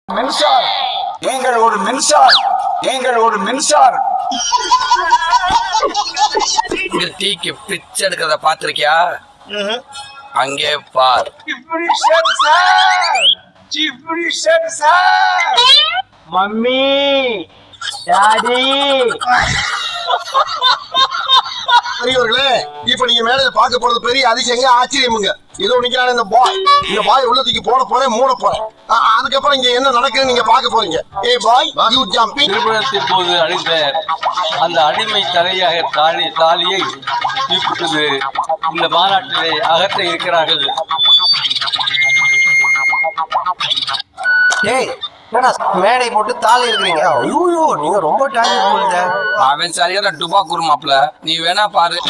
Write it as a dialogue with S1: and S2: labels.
S1: மின்சாரம், நீங்கள் ஒரு மின்சாரம், நீங்கள் ஒரு மின்சாரம்.
S2: இங்க டீக்கு பிச்சை எடுக்கிறத பாத்திருக்கியா? அங்கே பார்.
S3: Mummy, daddy.
S4: பெரியவர்களே, இப்ப நீங்க மேல பார்க்க போறது பெரிய அதிசயங்க, ஆச்சரியமுங்க. ஏதோ நிக்கிறான இந்த பாய் உள்ளத்துக்கு போறேன் மூட போறேன். அதுக்கப்புறம் இங்க என்ன நடக்குதுன்னு நீங்க பார்க்க போறீங்க. ஏ பாய், யூ ஜம்பிங்.
S5: திருமணத்தின் போது அழிந்த அந்த அடிமை தலையாக தாலியை இப்பொழுது இந்த மாநாட்டிலே அகற்ற இருக்கிறார்கள்.
S3: டேய், என்னடா மேடை போட்டு தாலி இருக்கிறீங்க? ஐயோ, நீங்க ரொம்ப டேலண்ட் போடுங்க.
S2: அவன் சரியான டுபா குருமாப்ல, நீ வேணா பாரு.